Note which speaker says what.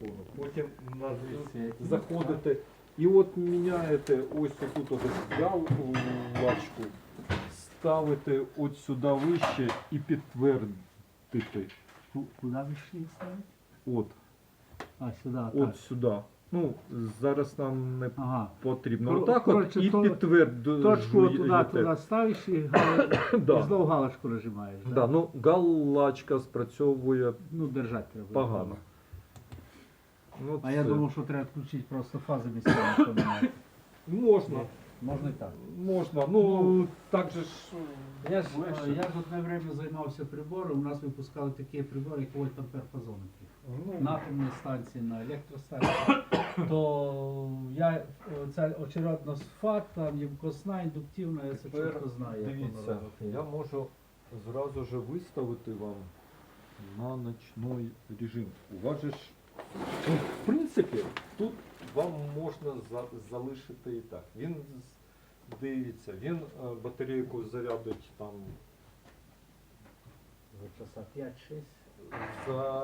Speaker 1: телефону. Потім заходите і от міняєте ось тут от галочку, ставите от сюди вище і підтвердити.
Speaker 2: Куди вийшли ставити?
Speaker 1: От,
Speaker 2: А, сюди, так.
Speaker 1: от сюди. Ну, зараз нам не
Speaker 2: Ага.
Speaker 1: потрібно. Отак от
Speaker 2: Коротше,
Speaker 1: і підтверджуєте.
Speaker 2: Точку туди ставиш і,
Speaker 1: Да.
Speaker 2: і знову галочку нажимаєш.
Speaker 1: Да, ну галочка спрацьовує
Speaker 2: Ну, держати треба.
Speaker 1: погано. Ну,
Speaker 2: А я
Speaker 1: це
Speaker 2: думав, що треба включити просто фази місцями поміняти.
Speaker 1: можна.
Speaker 2: Можна і так.
Speaker 1: Можна. Ну, так же ж. легше.
Speaker 2: Я ж одне время займався прибором, у нас випускали такі прибори, як вольтампер-фазометрів.
Speaker 1: Ну,
Speaker 2: На атомній станції, на електростанції. То я ця очередна фат, там ємкосна, індуктивна, я це
Speaker 1: Тепер
Speaker 2: чітко знаю, як воно
Speaker 1: дивіться,
Speaker 2: робити.
Speaker 1: я можу зразу же виставити вам на ночний режим. У вас же ж, ну, в принципі, тут вам можна залишити і так. Він дивіться, він батарейку зарядить там
Speaker 2: За часа 5-6.
Speaker 1: за